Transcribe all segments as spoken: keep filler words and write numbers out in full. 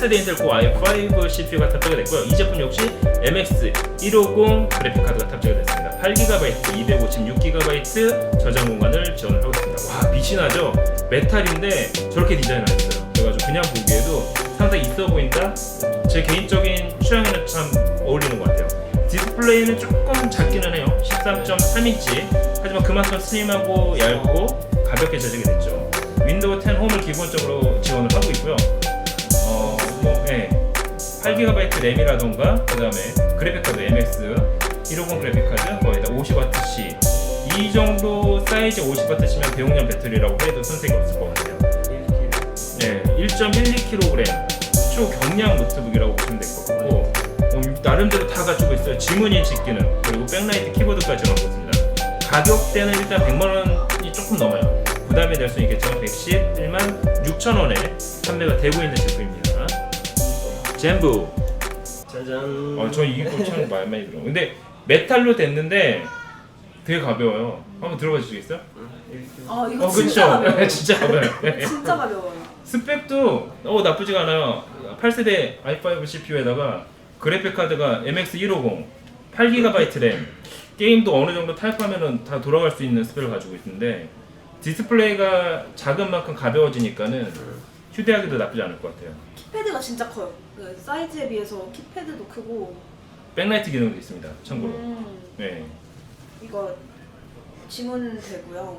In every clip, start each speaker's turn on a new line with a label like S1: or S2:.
S1: 팔 세대 인텔 코어 아이 파이브 씨피유가 탑재가 됐고요. 이 제품 역시 엠엑스 백오십 그래픽 카드가 탑재가 됐습니다. 팔 기가바이트, 이백오십육 기가바이트 저장 공간을 지원을 하고 있습니다. 와, 빛이 나죠? 메탈인데 저렇게 디자인을 했어요. 그래가지고 그냥 보기에도 상당히 있어 보인다. 제 개인적인 취향에는 참 어울리는 것 같아요. 디스플레이는 조금 작기는 해요. 십삼 점 삼 인치. 하지만 그만큼 슬림하고 얇고 가볍게 제작이 됐죠. 윈도우 텐 홈을 기본적으로 지원을 하고 있고요. 어, 뭐, 예. 팔 기가바이트 램이라던가 그 다음에 그래픽카드 엠엑스 백오십 그래픽카드 거의다 오십 와트씩 이 정도 사이즈 오십 와트시면 대용량 배터리라고 해도 손색이 없을 것 같아요. 네, 일 점 일이 킬로그램 초경량 노트북이라고 보시면 될 것 같고 어, 나름대로 다 가지고 있어요. 지문 인식 기능 그리고 백라이트 키보드까지 갖고 있습니다. 가격대는 일단 백만 원이 조금 넘어요. 부담이 될 수 있겠지만 백십일만 육천 원에 판매가 되고 있는 제품입니다. 젠부.
S2: 짜잔.
S1: 어, 저 이거 참 많이 많이 들어. 근데 메탈로 됐는데 되게 가벼워요. 한번 들어봐 주시겠어요?
S3: 아 이거
S1: 어,
S3: 진짜
S1: 그쵸?
S3: 가벼워요.
S1: 진짜 가벼워요.
S3: 진짜 가벼워요.
S1: 스펙도 어, 나쁘지가 않아요. 팔 세대 아이 파이브 씨피유에다가 그래픽 카드가 엠엑스 백오십, 팔 기가바이트 램, 게임도 어느 정도 타협하면은 다 돌아갈 수 있는 스펙을 가지고 있는데 디스플레이가 작은 만큼 가벼워지니까는 휴대하기도 나쁘지 않을 것 같아요.
S3: 키패드가 진짜 커요. 그 사이즈에 비해서 키패드도 크고.
S1: 백라이트 기능도 있습니다. 참고로.
S3: 음,
S1: 네.
S3: 이거 지문 되고요.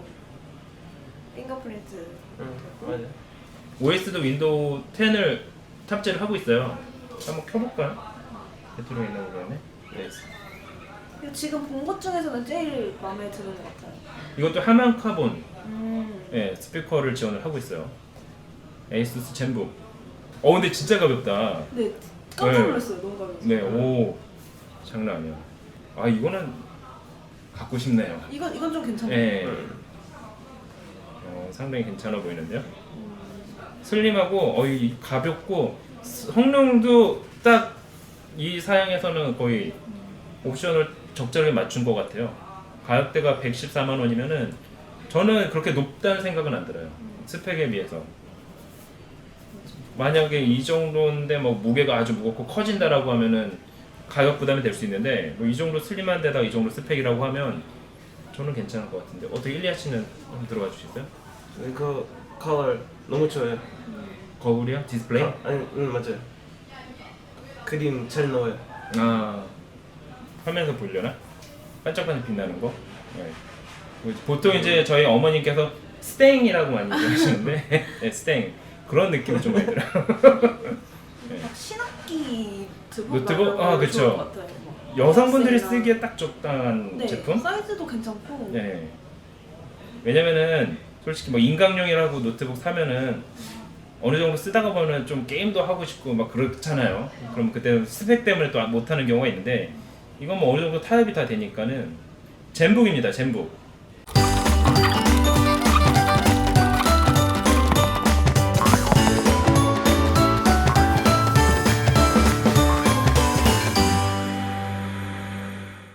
S3: 핑거프린트
S2: 응,
S3: 되고.
S2: 맞아.
S1: 오에스도 윈도우 텐을 탑재를 하고 있어요. 한번 켜볼까요? 배터리가 있나 모르겠네.
S2: 네.
S3: 이거 지금 본 것 중에서는 제일 마음에 드는 것 같아요.
S1: 이것도 하만 카본
S3: 음,
S1: 네, 스피커를 지원을 하고 있어요. 에이수스 젠북. 어 근데 진짜 가볍다.
S3: 네, 깜짝
S1: 네.
S3: 놀랐어요. 너무 가벼워서.
S1: 네, 오 장난 아니야. 아 이거는 갖고 싶네요.
S3: 이건 이건 좀 괜찮아요.
S1: 네,
S2: 응.
S1: 어, 상당히 괜찮아 보이는데요. 슬림하고 어이 가볍고 성능도 딱 이 사양에서는 거의 옵션을 적절하게 맞춘 것 같아요. 가격대가 백십사만 원이면은 저는 그렇게 높다는 생각은 안 들어요. 스펙에 비해서. 만약에 이 정도인데 뭐 무게가 아주 무겁고 커진다라고 하면은 가격 부담이 될 수 있는데 뭐 이 정도 슬림한 데다가 이 정도 스펙이라고 하면 저는 괜찮을 것 같은데 어떻게 일리아 씨는 한번 들어가 주시겠어요?
S2: 그 컬러 너무 좋아요.
S1: 거울이요? 디스플레이?
S2: 아, 아니, 응 맞아요. 그림 잘 나와요.
S1: 아 화면에서 보려나? 반짝반짝 빛나는 거? 네. 보통 이제 저희 어머님께서 스탱이라고 많이 얘기하시는데 네, 스탱 그런 느낌이 좀 많이 들어요. 네.
S3: 막 신학기
S1: 노트북? 아, 그쵸.
S3: 것 같아요. 막
S1: 여성분들이
S3: 학생이나.
S1: 쓰기에 딱 적당한
S3: 네,
S1: 제품?
S3: 사이즈도 괜찮고.
S1: 네. 왜냐면은 솔직히 뭐 인강용이라고 노트북 사면은 어느 정도 쓰다가 보면 좀 게임도 하고 싶고 막 그렇잖아요. 그럼 그때 스펙 때문에 또 못하는 경우가 있는데 이건 뭐 어느 정도 타협이 다 되니까는 젠북입니다. 젠북.